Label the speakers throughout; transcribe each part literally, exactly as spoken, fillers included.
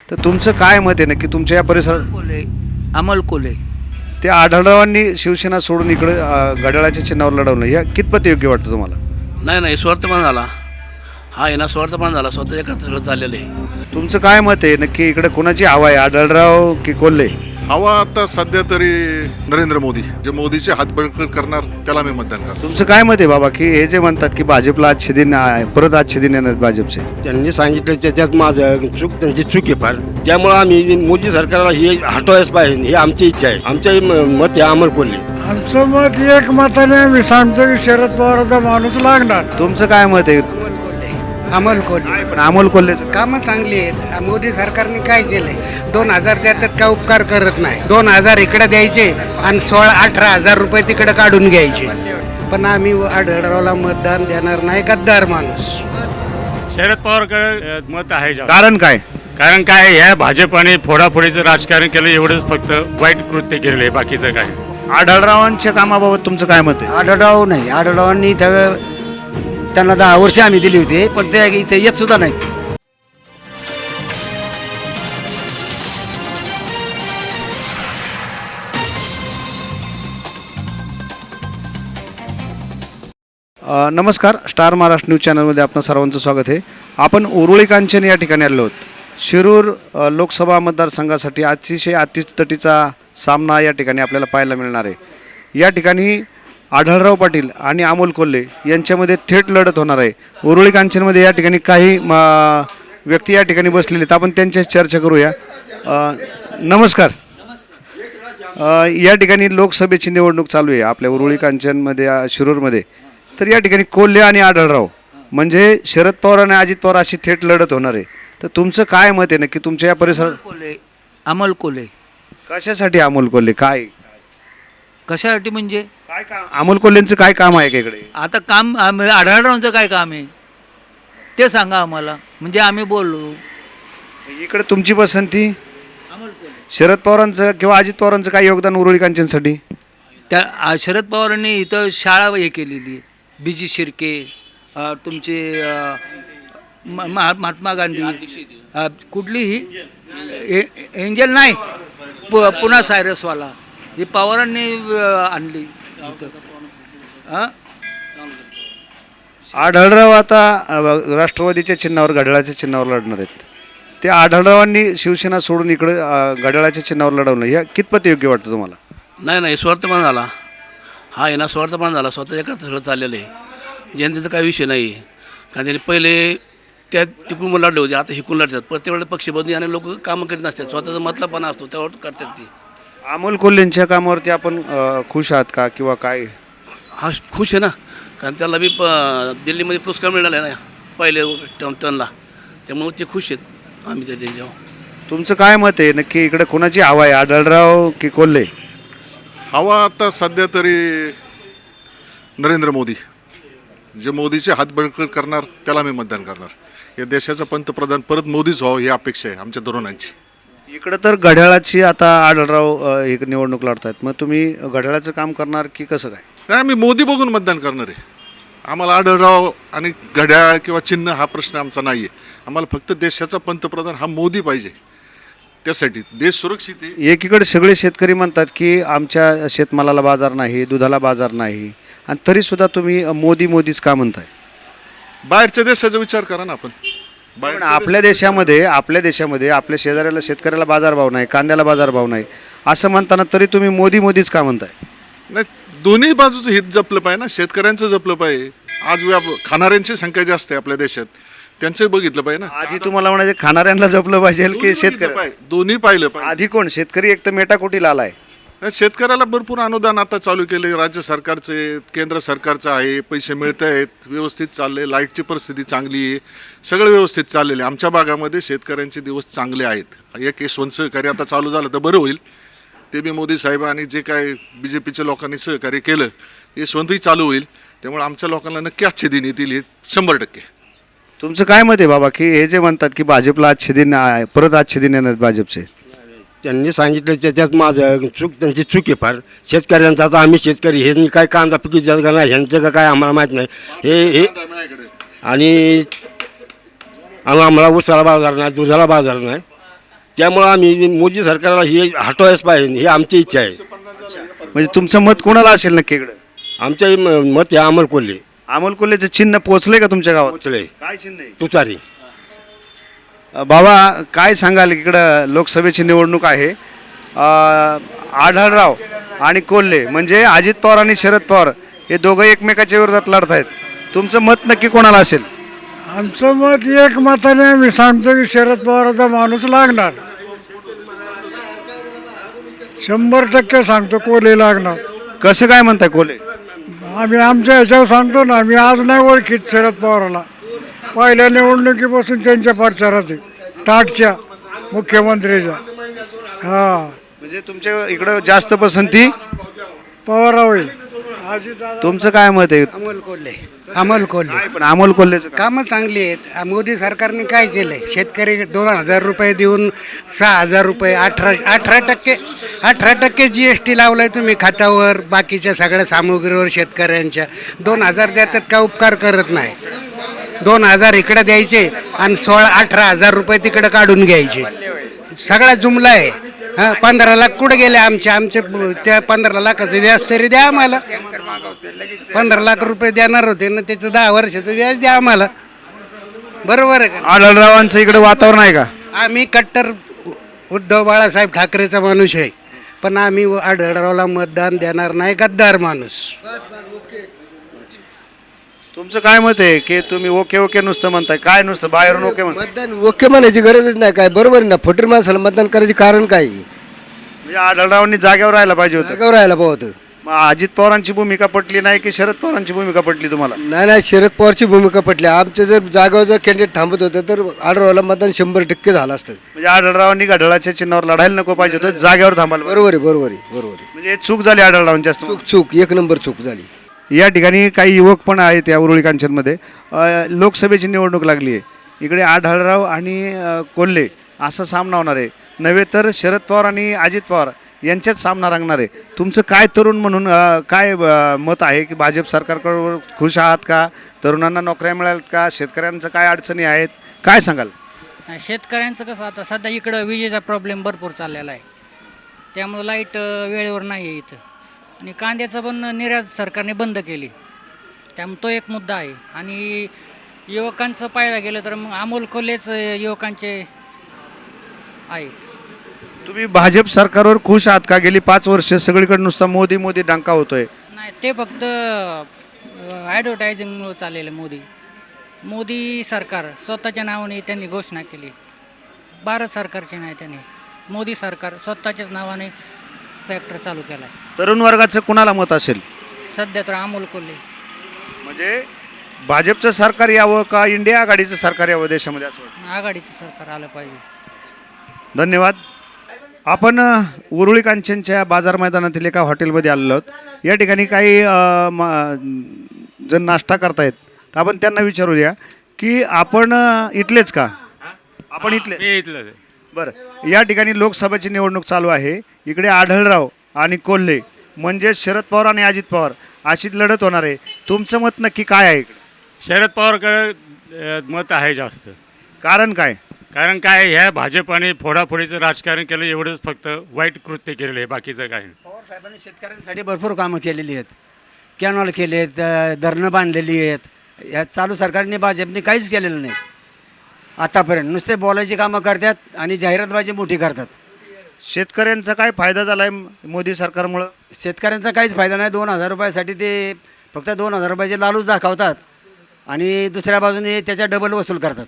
Speaker 1: तर तुमचं काय मत आहे नक्की तुमच्या या परिसरात?
Speaker 2: कोले अमल कोले
Speaker 1: ते आढळरावांनी शिवसेना सोडून इकडे अ, घड्याळाच्या चिन्हावर लढवलं या कितपत योग्य वाटतं तुम्हाला?
Speaker 3: नाही नाही स्वार्थपणा झाला. हा आहे ना स्वार्थपणा झाला. स्वतःच्या करता सगळं चाललेलं आहे.
Speaker 1: तुमचं काय मत आहे नक्की इकडे कोणाची हवा आहे, आढळराव की कोल्हे?
Speaker 4: हवा आता सध्या तरी नरेंद्र मोदी, जे मोदीचे हात बळकट करणार त्याला मी मतदान करतो.
Speaker 1: तुमचं काय मत आहे बाबा की हे जे म्हणतात की भाजपला आजचे दिन आहे, परत आजचे दिन येणार भाजपचे?
Speaker 5: त्यांनी सांगितलं त्याच्यात माझं चूक त्यांची चूक आहे फार. त्यामुळं आम्ही मोदी सरकारला हे हटवायच पाहिजे ही आमची इच्छा आहे. आमचं मत आहे अमर कोल्हे.
Speaker 6: आमचं मत एक मताने मी सांगतो की शरद पवाराचा माणूस लागणार.
Speaker 1: तुमचं काय मत आहे?
Speaker 2: अमल कोल्हे
Speaker 1: पण अमोल कोल्हेचं
Speaker 2: कामं चांगली आहेत. मोदी सरकारने काय केलंय? दोन हजार देतात का उपकार करत नाही. दोन हजार इकडे द्यायचे आणि सोळा अठरा हजार रुपये तिकडे काढून घ्यायचे. पण आम्ही आढळरावला मतदान देणार नाही. गद्दार माणूस.
Speaker 7: शरद पवारकडे मत आहे जास्त.
Speaker 1: कारण काय?
Speaker 7: कारण काय ह्या भाजपाने फोडाफोडीचं राजकारण केलं एवढंच फक्त वाईट कृत्य केलेलं आहे बाकीचं काय.
Speaker 1: आढळरावांच्या कामाबाबत तुमचं काय मत आहे?
Speaker 2: आढळराव नाही. आढळरावांनी इथं त्यांना दहा वर्ष आम्ही दिली होती पण ते इथे येत सुद्धा नाहीत.
Speaker 1: अ, नमस्कार, स्टार महाराष्ट्र न्यूज चॅनलमध्ये आपलं सर्वांचं स्वागत आहे. आपण उरुळी कांचन या ठिकाणी आलो आहोत. शिरूर अ, लोकसभा मतदारसंघासाठी अतिशय अतितटीचा सामना या ठिकाणी आपल्याला पाहायला मिळणार आहे. या ठिकाणी आढळराव पाटील आणि अमोल कोल्हे यांच्यामध्ये थेट लढत होणार आहे. उरुळी कांचनमध्ये या ठिकाणी काही म, व्यक्ती या ठिकाणी बसलेले आहेत. आपण त्यांच्याशी चर्चा करूया. अ, नमस्कार. अ, या ठिकाणी लोकसभेची निवडणूक चालू आहे आपल्या उरुळी कांचनमध्ये, अ, शिरूरमध्ये. तर या ठिकाणी कोल्हे आणि आढळराव म्हणजे शरद पवार आणि अजित पवार अशी थेट लढत होणार आहे. तर तुमचं काय मत आहे नक्की तुमच्या या परिसरात?
Speaker 2: कोल्हे अमल कोल्हे
Speaker 1: कशासाठी अमोल कोल्हे? काय
Speaker 2: कशासाठी म्हणजे
Speaker 1: काय काम? अमोल कोल्हेंचं काय काम आहे का इकडे?
Speaker 2: आता काम आम- आढळरावांचं काय काम आहे ते सांगा आम्हाला, म्हणजे आम्ही बोललो.
Speaker 1: इकडे तुमची पसंती
Speaker 2: अमल कोल्हे.
Speaker 1: शरद पवारांचं किंवा अजित पवारांचं काय योगदान उरुळी कांचनसाठी?
Speaker 2: त्या आ- शरद पवारांनी इथं शाळा हे केलेली आहे. बी जी शिर्के, अ, तुमचे अ, म- महा- महात्मा गांधी, अ, कुठलीही ए- एंजल नाही, पु- पुन्हा सायरसवाला, ही पवारांनी अ, आणली इथं. हां
Speaker 1: आढळराव आता अ, राष्ट्रवादीच्या चिन्हावर घड्याळाच्या चिन्हावर लढणार आहेत. ते आढळरावांनी शिवसेना सोडून इकडे अ, घड्याळाच्या चिन्हावर लढवलं या कितपत योग्य वाटतं तुम्हाला?
Speaker 3: नाही नाही स्वार्थपणा झाला. हा आहे ना स्वार्थपणा झाला. स्वतःच्या करता सगळं चाललेलं आहे. जनतेचा काही विषय नाही. कारण त्यांनी पहिले त्या तिकडून लढले होते, आता हिकून लढतात. प्रत्येक वेळेला पक्ष बदली आणि लोक कामं करीत नसतात. स्वतःचा मतलबपणा असतो त्यावर करतात ती.
Speaker 1: अमोल कोल्हेंच्या कामावरती आपण अ, खुश आहात का किंवा काय?
Speaker 3: हा खुश आहे ना, कारण त्याला बी प दिल्लीमध्ये पुरस्कार मिळाला आहे ना पहिले टर्न टर्नला. त्यामुळे ते खुश आहेत आम्ही त्या त्यांच्यावर.
Speaker 1: तुमचं काय मत आहे नक्की इकडे कोणाची हवा आहे, आढळराव की कोल्हे?
Speaker 4: हवा आता सध्या तरी नरेंद्र मोदी, जे मोदीचे हात बळकट करणार त्याला मी मतदान करणार. या देशाचा पंतप्रधान परत मोदीच व्हावं ही अपेक्षा आहे आमच्या तरुणांची.
Speaker 1: इकडं तर घड्याळाची आता आढळराव अ, एक निवडणूक लढतायत. मग तुम्ही घड्याळाचं काम करणार की कसं काय?
Speaker 4: नाही, आम्ही मोदी बघून मतदान करणार आहे. आम्हाला आढळराव आणि घड्याळ किंवा चिन्ह हा प्रश्न आमचा नाही आहे. आम्हाला फक्त देशाचा पंतप्रधान हा मोदी पाहिजे. त्यासाठी देश सुरक्षित आहे.
Speaker 1: एकीकडे सगळे शेतकरी म्हणतात की आमच्या शेतमालाला बाजार नाही, दुधाला बाजार नाही, आणि तरीसुद्धा तुम्ही मोदी मोदीच का म्हणताय?
Speaker 4: बाहेरच्या देशाचा विचार करा ना आपण.
Speaker 1: पण
Speaker 4: बाहेरच्या
Speaker 1: आपल्या देशामध्ये आपल्या देशामध्ये आपल्या शेजाऱ्याला शेतकऱ्याला बाजारभाव नाही, कांद्याला बाजारभाव नाही असं म्हणताना तरी तुम्ही मोदी मोदीच का म्हणताय?
Speaker 4: नाही, दोन्ही बाजूचं हित जपलं पाहिजे ना. शेतकऱ्यांचं जपलं पाहिजे. आज व्याप खाणाऱ्यांची संख्या जास्त आहे आपल्या देशात, त्यांचं बघितलं पाहिजे ना.
Speaker 1: आधी तुम्हाला म्हणायचे खाणाऱ्यांना जपलं पाहिजे
Speaker 4: दोन्ही
Speaker 1: की
Speaker 4: बघितलं
Speaker 1: शेतकरी?
Speaker 4: पाहिजे, दोन्ही पाहिलं पाहिजे.
Speaker 1: आधी कोण? शेतकरी एक तर मेटाकुटीला आलाय.
Speaker 4: नाही, शेतकऱ्याला भरपूर अनुदान आता चालू केले. राज्य सरकारचे, केंद्र सरकारचं आहे. पैसे मिळत आहेत, व्यवस्थित चालले. लाईटची परिस्थिती चांगली आहे, सगळं व्यवस्थित चाललेलं आहे. आमच्या भागामध्ये शेतकऱ्यांचे दिवस चांगले आहेत. एक यशवंत सहकारी आता चालू झालं तर बरं होईल. ते बी मोदी साहेब आणि जे काय बी जे पीच्या लोकांनी सहकार्य केलं यशवंतही चालू होईल. त्यामुळे आमच्या लोकांना नक्की आजचे दिन येतील हे शंभर टक्के.
Speaker 1: तुमचं काय मत आहे बाबा की हे जे म्हणतात की भाजपला आजचे दिन आहे, परत आजचे दिन येणार भाजपचे?
Speaker 5: त्यांनी सांगितलं त्याच्यात माझं चूक त्यांची चूक आहे फार. शेतकऱ्यांचा आता आम्ही शेतकरी हे काय कांदा पिकी जात का नाही ह्यांचं का काय आम्हाला माहीत नाही. हे हे आणि आम्हाला उसाला बाजार नाही, दुधाला बाजार नाही. त्यामुळं आम्ही मोदी सरकारला हे हटवायच पाहिजे ही आमची इच्छा आहे.
Speaker 1: म्हणजे तुमचं मत कोणाला असेल नक्की इकडं?
Speaker 5: आमच्या म- मत हे अमल कोल्हे
Speaker 1: अमोल कोल्हेचं चिन्ह पोचलंय का तुमच्या गावात?
Speaker 5: पोचले
Speaker 1: काय चिन्ह आहे?
Speaker 5: तुतारी.
Speaker 1: अ, बाबा काय सांगाल, इकडं लोकसभेची निवडणूक आहे. अ, आढळराव आणि कोल्हे म्हणजे अजित पवार आणि शरद पवार हे दोघं एकमेकाच्या विरोधात लढत आहेत. तुमचं मत नक्की कोणाला असेल?
Speaker 6: आमचं मत एक मताने आम्ही सांगतो की शरद पवाराचा माणूस लागणार. शंभर टक्के सांगतो कोल्हे लागणार.
Speaker 1: कसं काय म्हणताय कोल्हे?
Speaker 6: आम्ही आमच्या ह्याच्यावर सांगतो ना, आम्ही आज नाही ओळखीत शरद पवाराला. पहिल्या निवडणुकीपासून त्यांच्या प्रचारात आहे, टाटच्या मुख्यमंत्रीच्या. हा
Speaker 1: म्हणजे तुमच्या इकडं जास्त पसंती
Speaker 6: पवाराव आहे. अजितदादा
Speaker 1: तुमचं काय मत आहे?
Speaker 8: अमोल कोल्हे अमोल कोल्हे
Speaker 1: काय पण अमोल कोल्हेचं का?
Speaker 8: कामं चांगली आहेत. मोदी सरकारने काय केलंय, शेतकरी दोन हजार रुपये देऊन सहा हजार रुपये अठरा अठरा टक्के अठरा टक्के जी एस टी लावलाय तुम्ही खात्यावर, बाकीच्या सगळ्या सामुग्रीवर शेतकऱ्यांच्या. दोन हजार देतात का उपकार करत नाही. दोन हजार इकडे द्यायचे आणि सोळा अठरा हजार रुपये तिकडे काढून घ्यायचे. सगळा जुमला आहे. हां, पंधरा लाख कुठे गेले आमचे आमचे त्या पंधरा लाखाचं व्याज तरी द्या आम्हाला. पंधरा लाख रुपये देणार होते ना, त्याचं दहा वर्षाचं व्याज द्या आम्हाला. बरोबर आहे का?
Speaker 1: आढळरावांचं इकडे वातावरण आहे का?
Speaker 8: आम्ही कट्टर उद्धव बाळासाहेब ठाकरेचा माणूस आहे, पण आम्ही आढळरावला मतदान देणार नाही. गद्दार माणूस.
Speaker 1: तुमचं काय मत आहे की तुम्ही ओके ओके नुसतं म्हणताय? काय नुसतं बाहेरून ओके म्हणताय?
Speaker 9: मतदान ओके म्हणायची गरजच नाही. काय बरोबर आहे ना, फटीर माणसाला मतदान करायचे कारण काय?
Speaker 1: म्हणजे आढळरावांनी जागेवर राहायला पाहिजे होतं.
Speaker 9: जागावर राहायला पाहतं.
Speaker 1: मग अजित पवारांची भूमिका पटली नाही की शरद पवारांची भूमिका पटली तुम्हाला?
Speaker 9: नाही नाही, शरद पवारची भूमिका पटली. आमचं जर जागावर जर कॅन्डिडेट थांबत होतं तर आढळवाला मतदान शंभर टक्के झालं असतं.
Speaker 1: म्हणजे आढळरावांनी घड्याळाच्या चिन्हावर लढायला नको पाहिजे होतं, जागेवर थांबायला पाहिजे.
Speaker 9: बरोबर आहे बरोबर आहे बरोबर आहे.
Speaker 1: म्हणजे चूक झाली आढळरावांची असतो.
Speaker 9: चूक चूक एक नंबर चूक झाली.
Speaker 1: या ठिकाणी काही युवक पण आहेत या उरुळी कांचनमध्ये. अ, लोकसभेची निवडणूक लागली आहे. इकडे आढळराव आणि अ, कोल्हे असा सामना होणार आहे, नव्हे तर शरद पवार आणि अजित पवार यांच्यात सामना रंगणार आहे. तुमचं काय तरुण म्हणून अ, काय अ, मत आहे की भाजप सरकारकडे खुश आहात का? तरुणांना नोकऱ्या मिळाल्यात का? शेतकऱ्यांचं काय अडचणी आहेत, काय सांगाल?
Speaker 10: शेतकऱ्यांचं कसं, आता सध्या इकडं विजेचा प्रॉब्लेम भरपूर चाललेला आहे, त्यामुळं लाईट वेळेवर नाही आहे इथं. आणि कांद्याचं पण निर्यात सरकारने बंद केली, त्यामुळे तो एक मुद्दा आहे. आणि युवकांचं पाहायला गेलं तर मग अमोल कोल्हेच युवकांचे आहेत.
Speaker 1: तुम्ही भाजप सरकारवर खुश आहात का? गेली पाच वर्ष सगळीकडे नुसता मोदी मोदी डांका होतोय.
Speaker 10: नाही, ते फक्त ॲडव्हर्टायझिंगमुळे चाललेलं. मोदी मोदी सरकार स्वतःच्या नावाने त्यांनी घोषणा केली, भारत सरकारची नाही. त्यांनी मोदी सरकार स्वतःच्याच नावाने फॅक्टरी चालू केला आहे.
Speaker 1: तरुण वर्गाचं कुणाला मत असेल?
Speaker 10: सध्या तर अमोल कोल्हे.
Speaker 1: म्हणजे भाजपचं सरकार यावं का इंडिया आघाडीचं सरकार यावं देशामध्ये असं वाटतं?
Speaker 10: आघाडीचं सरकार आलं पाहिजे.
Speaker 1: धन्यवाद. आपण अ, उरुळी कांचनच्या बाजार मैदानातील एका हॉटेलमध्ये आलेलो आहोत. या ठिकाणी काही अ, म- जण नाश्ता करतायत, तर आपण त्यांना विचारूया की आपण अ, इथलेच का? आपण इथले?
Speaker 7: मी इथलं आहे.
Speaker 1: बरं, या ठिकाणी लोकसभेची निवडणूक चालू आहे. इकडे आढळराव आणि कोल्हे म्हणजे शरद पवार आणि अजित पवार अशीच लढत होणार आहे. तुमचं मत नक्की काय आहे इकडे?
Speaker 7: शरद पवारकडे अ, मत आहे जास्त.
Speaker 1: कारण काय?
Speaker 7: कारण काय, ह्या भाजपाने फोडाफोडीचं राजकारण केलं, एवढंच फक्त वाईट कृत्य केलेलं आहे, बाकीचं काय नाही.
Speaker 9: पवार साहेबांनी शेतकऱ्यांसाठी भरपूर कामं केलेली आहेत. कॅनॉल केले आहेत, धरणं बांधलेली आहेत. या चालू सरकारने भाजपने काहीच केलेलं नाही आतापर्यंत. नुसते बोलायची कामं करतात आणि जाहिरातबाजी मोठी करतात.
Speaker 1: शेतकऱ्यांचा काय फायदा झाला आहे मोदी सरकारमुळं?
Speaker 9: शेतकऱ्यांचा काहीच फायदा नाही. दोन हजार रुपयासाठी ते फक्त दोन हजार रुपयाचे लालूच दाखवतात आणि दुसऱ्या बाजूने त्याच्या डबल वसूल करतात.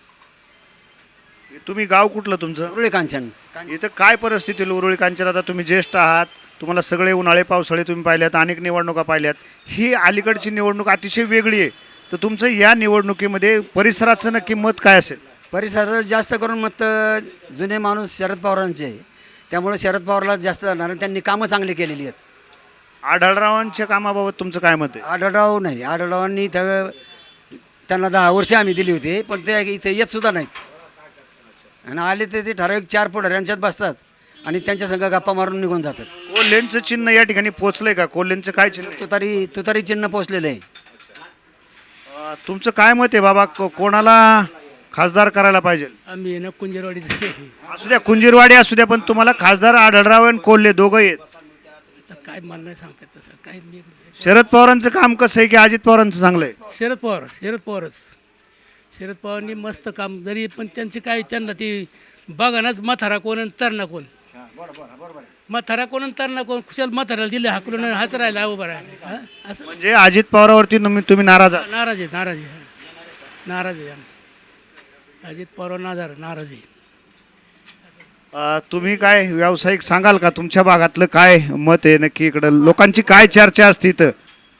Speaker 1: तुम्ही गाव कुठलं तुमचं?
Speaker 9: उरुळी कांचन.
Speaker 1: इथं काय परिस्थिती आहे उरुळी कांचन? आता तुम्ही ज्येष्ठ आहात, तुम्हाला सगळे उन्हाळे पावसाळे तुम्ही पाहिल्यात, अनेक निवडणुका पाहिल्यात. ही अलीकडची निवडणूक अतिशय वेगळी आहे, तर तुमचं या निवडणुकीमध्ये परिसराचं नक्की मत काय असेल?
Speaker 9: परिसरात जास्त करून मत जुने माणूस शरद पवारांचे आहे, त्यामुळे शरद पवारला जास्त जाणार. त्यांनी कामं चांगली केलेली आहेत.
Speaker 1: आढळरावांच्या कामाबाबत तुमचं काय मत आहे?
Speaker 9: आढळराव नाही, आढळरावांनी इथं त्यांना दहा वर्षे आम्ही दिली होती, पण ते इथे येत सुद्धा नाहीत. आणि आले तर ते ठराविक चार पुढाऱ्यांच्यात बसतात आणि त्यांच्या संघ गप्पा मारून निघून जातात.
Speaker 1: कोल्हेंचं चिन्ह या ठिकाणी पोचलंय का? कोल्हेंचं काय चिन्ह आहे?
Speaker 9: तुतारी तुतारी चिन्ह पोचलेलं आहे.
Speaker 1: अं, तुमचं काय मत आहे बाबा? को- कोणाला खासदार करायला पाहिजे?
Speaker 2: आम्ही ना कुंजरवाडीचे
Speaker 1: असू द्या, कुंजीरवाडी असू द्या, पण तुम्हाला खासदार आढळराव आणि कोल्हे दोघं आहेत.
Speaker 2: काय मला नाही सांगता तसं काय मी
Speaker 1: शरद पवारांचं काम कसं आहे की अजित पवारांचं चांगलं आहे?
Speaker 2: शरद पवार शरद पवारच शरद पवारांनी मस्त काम जरी पण त्यांची काय त्यांना ती बघानाच म्हातारा कोण आणि तरणा कोण म्हातारा कोण आणि तरणा कोण खुशाल म्हाताराला दिले हाकलून आणि हाच राहिला उभा राहिला हां असं
Speaker 1: म्हणजे अजित पवारावरती तुम्ही तुम्ही नाराज आहात?
Speaker 2: नाराज आहे नाराज आहे नाराज आहे आम्ही अजित पवार नाजार नाराज आहे.
Speaker 1: अ, तुम्ही काय व्यावसायिक सांगाल का तुमच्या भागातलं काय मत आहे नक्की? इकडं लोकांची काय चर्चा असते इथं?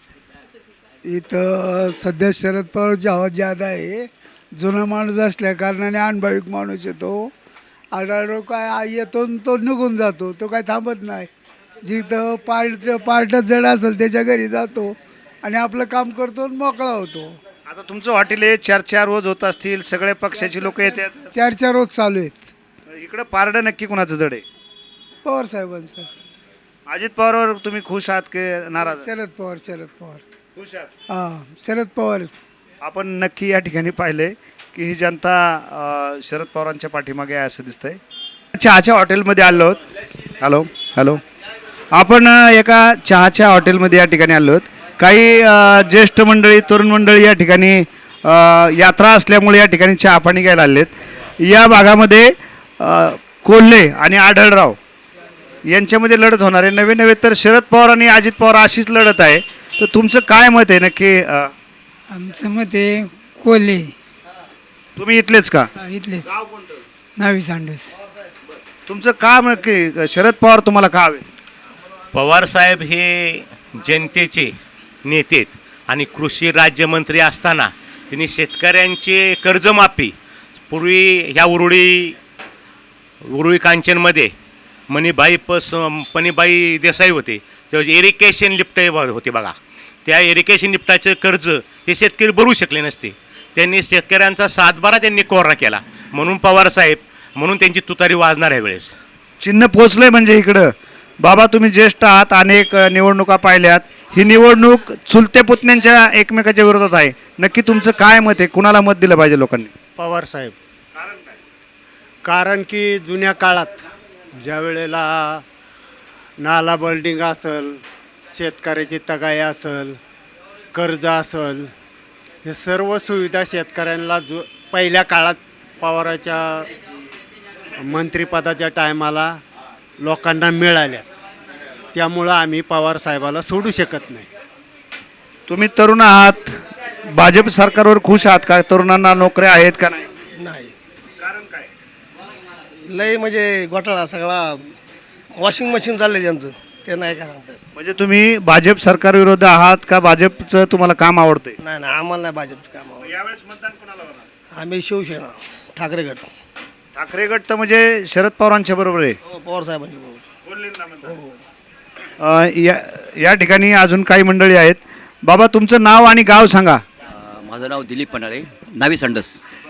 Speaker 6: इथं सध्या शरद पवारची हवा ज्यादा आहे. जुना माणूस असल्या कारणाने अनुभविक माणूस येतो. आढळराव काय येतो आणि तो निघून जातो, तो काय थांबत नाही. जिथं पार्ट पार्ट जड असेल त्याच्या घरी जातो आणि आपलं काम करतो आणि मोकळा होतो.
Speaker 1: आता तुमचं हॉटेल आहे, चर्चा रोज होत असतील, सगळ्या पक्षाची लोक येतात.
Speaker 6: चर्चा रोज चालू आहेत.
Speaker 1: इकडं पारडं नक्की कुणाचं जड आहे?
Speaker 6: पवार साहेबांचं.
Speaker 1: अजित पवारवर तुम्ही खुश आहात की नाराज?
Speaker 6: शरद पवार शरद पवार
Speaker 1: खुश आहात.
Speaker 6: हां शरद पवार.
Speaker 1: आपण नक्की या ठिकाणी पाहिले की ही जनता अ, शरद पवारांच्या पाठीमागे आहे असं दिसतंय. चहाच्या हॉटेलमध्ये आलो आहोत. हॅलो हॅलो आपण अ, एका चहाच्या हॉटेलमध्ये या ठिकाणी आलो आहोत. काही अ, ज्येष्ठ मंडळी, तरुण मंडळी या ठिकाणी अ, यात्रा असल्यामुळे या ठिकाणी चहा पाणी घ्यायला आलेत. या भागामध्ये अ, कोल्हे आणि आढळराव यांच्यामध्ये लढत होणार आहे. नवे नवे तर शरद पवार आणि अजित पवार अशीच लढत आहे. तर तुमचं काय मत आहे नक्की? अ,
Speaker 6: आमचं मत आहे कोल्हे.
Speaker 1: तुम्ही इथलेच का?
Speaker 6: इथलेच नावी सांडस.
Speaker 1: तुमचं काम की शरद पवार तुम्हाला का हवे?
Speaker 11: पवारसाहेब हे जनतेचे नेते आहेत आणि कृषी राज्यमंत्री असताना त्यांनी शेतकऱ्यांचे कर्जमाफी पूर्वी ह्या उरुळी उरुळी कांचनमध्ये मणिबाई पस पणीबाई देसाई होते तेव्हा इरिगेशन लिफ्ट होते बघा. त्या इरिगेशन लिफ्टाचं कर्ज हे शेतकरी भरू शकले नसते. त्यांनी शेतकऱ्यांचा सातबारा त्यांनी कोरा केला. म्हणून पवारसाहेब म्हणून त्यांची तुतारी वाजणार आहे वेळेस.
Speaker 1: चिन्ह पोचलंय म्हणजे इकडं. बाबा तुम्ही ज्येष्ठ आहात, अनेक अ, निवडणुका पाहिल्यात. ही निवडणूक चुलते पुतण्यांच्या एकमेकाच्या विरोधात आहे. नक्की तुमचं काय मत आहे? कुणाला मत दिलं पाहिजे लोकांनी?
Speaker 5: पवार साहेब. कारण की जुन्या काळात ज्या वेळेला नाला बिल्डिंग असेल, शेतकऱ्याची तगाई असेल, कर्ज असेल, हे सर्व सुविधा शेतकऱ्यांना जो पहिल्या काळात पवाराच्या मंत्रिपदाच्या टायमाला लोकांना मिळाल्या. त्यामुळं आम्ही पवार साहेबाला सोडू शकत नाही.
Speaker 1: तुम्ही तरुण आहात, भाजप सरकारवर खुश आहात का? तरुणांना नोकऱ्या आहेत का नाही?
Speaker 12: नाही.
Speaker 1: कारण काय?
Speaker 12: लय म्हणजे घोटाळा सगळा. वॉशिंग मशीन चाललंय त्यांचं, ते नाही काय सांगतात.
Speaker 1: म्हणजे तुम्ही भाजप सरकार विरोध आहात का भाजपचं तुम्हाला काम आवडतंय?
Speaker 12: नाही नाही आम्हाला नाही भाजपचं काम आवडत.
Speaker 1: यावेळेस मतदान कोणाला होणार?
Speaker 12: आम्ही शिवसेना ठाकरे गट.
Speaker 1: ठाकरे गट तर म्हणजे शरद पवारांच्या बरोबर आहे.
Speaker 12: हो, पवार साहेबांची बरोबर.
Speaker 1: अ, या या ठिकाणी अजून काही मंडळी आहेत. बाबा तुमचं नाव आणि गाव सांगा.
Speaker 13: माझं नाव दिलीप पन्हाळे, नावी संडस.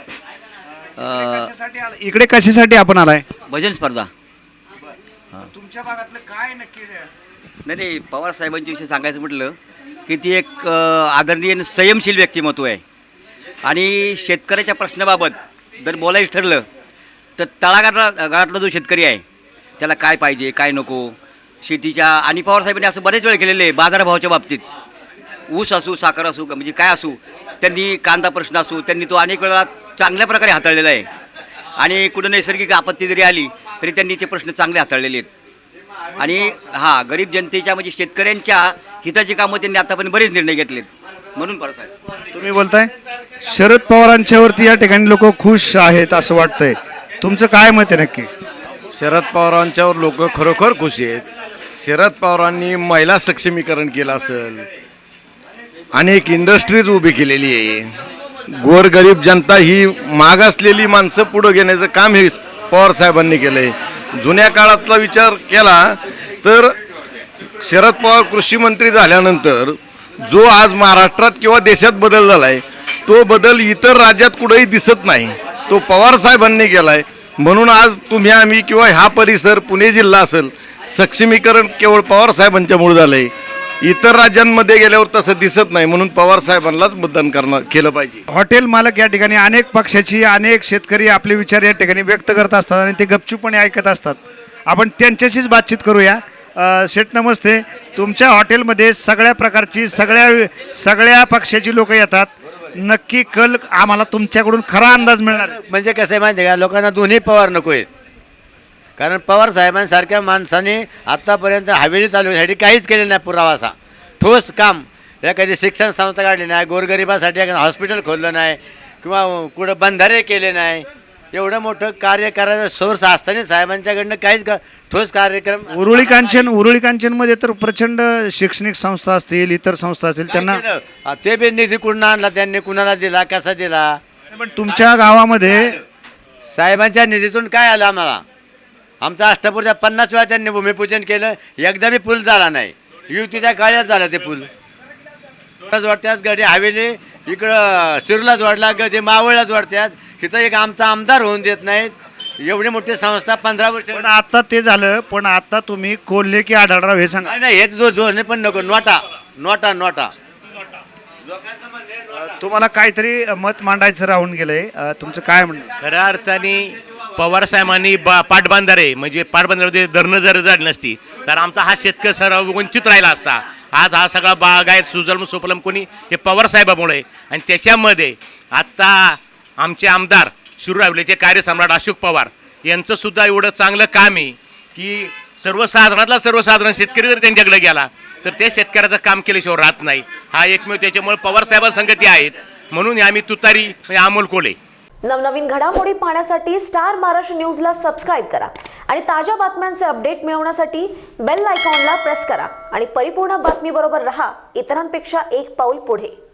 Speaker 1: इकडे कशासाठी आपण आलाय?
Speaker 13: भजन स्पर्धा.
Speaker 1: तुमच्या भागातलं काय नक्की?
Speaker 13: नाही नाही पवार साहेबांच्या विषयी सांगायचं म्हटलं की ती एक अ, आदरणीय आणि संयमशील व्यक्तिमत्व आहे. आणि शेतकऱ्याच्या प्रश्नाबाबत जर बोलायचं ठरलं तर तळागाळातला गाळातला जो शेतकरी आहे त्याला काय पाहिजे काय नको शेतीच्या. आणि पवारसाहेबांनी असं बरेच वेळ केलेलं आहे बाजारभावाच्या बाबतीत. ऊस असू, साखर असू, म्हणजे काय असू, त्यांनी कांदा प्रश्न असू, त्यांनी तो अनेक वेळा चांगल्या प्रकारे हाताळलेला आहे. आणि कुठं नैसर्गिक आपत्ती जरी आली तरी त्यांनी ते प्रश्न चांगले हाताळलेले आहेत. आणि हां गरीब जनतेच्या म्हणजे शेतकऱ्यांच्या हिताची कामं त्यांनी आतापर्यंत बरेच निर्णय घेतलेत. म्हणून पवारसाहेब.
Speaker 1: तुम्ही बोलताय शरद पवारांच्यावरती या ठिकाणी लोक खुश आहेत असं वाटतंय. तुमचं काय मत आहे नक्की?
Speaker 14: शरद पवारांच्यावर लोक खरोखर खुश आहेत. शरद पवारांनी महिला सक्षमीकरण केलं असेल, अनेक इंडस्ट्रीज उभी केलेली आहे. गोरगरीब जनता ही मागासलेली माणसं पुढं घेण्याचं काम हे पवार साहेबांनी केलं आहे. जुन्या काळातला विचार केला तर शरद पवार कृषी मंत्री झाल्यानंतर जो आज महाराष्ट्रात किंवा देशात बदल झाला आहे तो बदल इतर राज्यात कुठेही दिसत नाही, तो पवार साहेबांनी केला आहे. म्हणून आज तुम्ही आम्ही किंवा हा परिसर पुणे जिल्हा असेल सक्षमीकरण केवळ पवार साहेबांच्यामुळे झालं आहे. इतर राज्यांमध्ये गेल्यावर तसं दिसत नाही, म्हणून पवार साहेबांनाच मतदान करणं केलं पाहिजे.
Speaker 1: हॉटेल मालक या ठिकाणी अनेक पक्षाची अनेक शेतकरी आपले विचार या ठिकाणी व्यक्त करत असतात आणि ते गपचूपणे ऐकत असतात. आपण त्यांच्याशीच बातचीत करूया. अ, शेठ नमस्ते. तुमच्या हॉटेलमध्ये सगळ्या प्रकारची सगळ्या सगळ्या पक्षाची लोक येतात. नक्की कल आम्हाला तुमच्याकडून खरा अंदाज मिळणार आहे.
Speaker 9: म्हणजे कसं आहे माहिती आहे का, लोकांना दोन्ही पवार नको आहेत. कारण पवार साहेबांसारख्या माणसाने आत्तापर्यंत हवेली चालवण्यासाठी काहीच केलं नाही. पुरावा असा ठोस काम एखादी शिक्षण संस्था काढली नाही, गोरगरिबासाठी एखादं हॉस्पिटल खोललं नाही किंवा कुठं बंधारे केले नाही. एवढं मोठं कार्य करायचं सोर्स असताना साहेबांच्याकडनं काहीच का ठोस कार्यक्रम.
Speaker 1: उरुळी कांचन उरुळी कांचनमध्ये तर प्रचंड शैक्षणिक संस्था असतील, इतर संस्था असतील, त्यांना
Speaker 9: केलं? ते बी निधी कुठून आणला त्यांनी, कुणाला दिला, कसा दिला?
Speaker 1: पण तुमच्या गावामध्ये
Speaker 9: साहेबांच्या निधीतून काय आलं आम्हाला? आमचा अष्टपूरच्या पन्नास वेळा त्यांनी भूमिपूजन केलं, एकदा बी पूल झाला नाही. युतीच्या काळात झाला ते पूल. जोडत्यात गडी हवेली इकडं शिरूला जोडला, गडी मावळला जोडत्यात. इथं एक आमचा आमदार होऊन देत नाहीत. एवढी मोठी संस्था पंधरा वर्ष.
Speaker 1: पण आता ते झालं, पण आता तुम्ही कोल्हे की आढळराव हे सांगा.
Speaker 9: नाही नाही, हेच दो दोन्ही पण नको. नोटा नोटा नोटा
Speaker 1: तुम्हाला काहीतरी मत मांडायचं राहून गेलंय. अ, तुमचं काय म्हणणं?
Speaker 11: खऱ्या अर्थाने पवार साहेबांनी बा पाटबंधारे म्हणजे पाटबंधारे धरणं जर झाली नसती तर आमचा हा शेतकरी सर्व वंचित राहिला असता. आज हा सगळा बागायत सुजलम सुफलम कोणी हे पवार साहेबामुळे. आणि त्याच्यामध्ये आत्ता आमचे आमदार शिरूर हवेलीचे कार्यसम्राट अशोक पवार यांचं सुद्धा एवढं चांगलं काम आहे की सर्वसाधारणातला सर्वसाधारण शेतकरी जर त्यांच्याकडे गेला तर ते शेतकऱ्याचं काम केल्याशिवाय राहत नाही. हा एकमेव त्याच्यामुळे पवार साहेबांसंगती आहेत. म्हणून आम्ही तुतारी म्हणजे अमोल कोल्हे.
Speaker 15: नवनवीन घडामोडी पाहण्यासाठी स्टार महाराष्ट्र न्यूजला सबस्क्राईब करा आणि ताज्या बातम्यांचे अपडेट मिळवण्यासाठी बेल आयकॉनला प्रेस करा आणि परिपूर्ण बातमीबरोबर रहा, इतरांपेक्षा एक पाऊल पुढे.